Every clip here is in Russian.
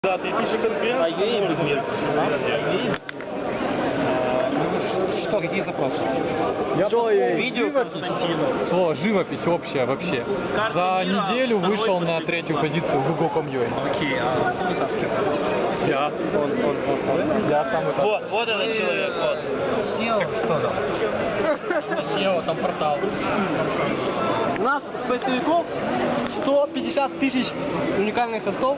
Да, 3000 конференций. А ей Что, какие запросы? видео, Слово живопись общая вообще. За неделю вышел на третью позицию в Google.com.ua. Окей, а кто вытаскивает? Я. Я сам это. Вот этот человек, вот. SEO? Так что там? SEO, там портал. У нас с поисковиков 150 тысяч уникальных хостов.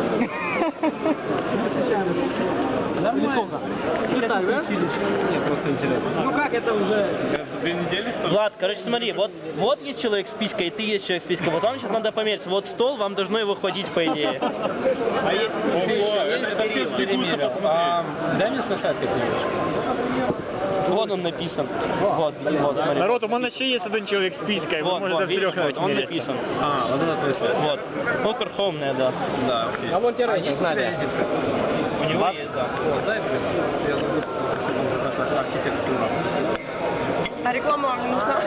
Или сколько? Деталь, да? Нет, просто интересно. Ну как это уже? 2 недели? Влад, короче, смотри, вот есть человек с писькой, и ты есть человек с писькой. Вот вам сейчас надо померить. Вот стол, вам должно его хватить, по идее. А есть... Ого, это все сбегутся посмотреть. Дай мне сосать как-нибудь. Вон он написан. Вот, смотри. Народ, у мене ще є один чоловік з піською, ви Вот, можете видишь, втрьох вот, он написан. А, вот это твой сайт. Вот. Ну, Кархомная, да. Да, окей. А вон те рейтинг знали. У него есть, да. Дай, я забыл, как архитектура. А реклама вам не нужна?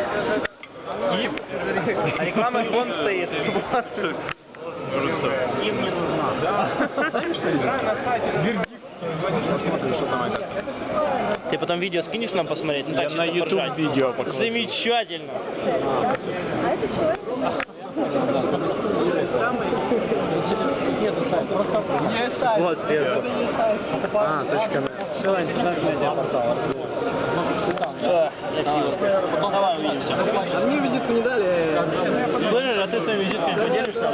А реклама вон стоит. Им не нужна. Да. Посмотрим, что там это. Ты потом видео скинешь нам посмотреть? Ну, так, Я чисто на YouTube поржать. видео покажу. Замечательно. А это человек? Нету сайта, просто не сайт. Вот, сверху. Это не сайт. А, точка. Все, интернет-медиа-портал. Ну, давай увидимся. А мне визитку не дали. Слышишь, а ты своей визиткой поделишься?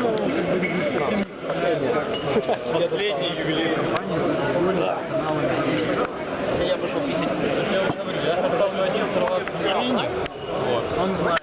Последний юбилей компании. Я пошел писать. Я поставлю один сервак. Вот. Он знает.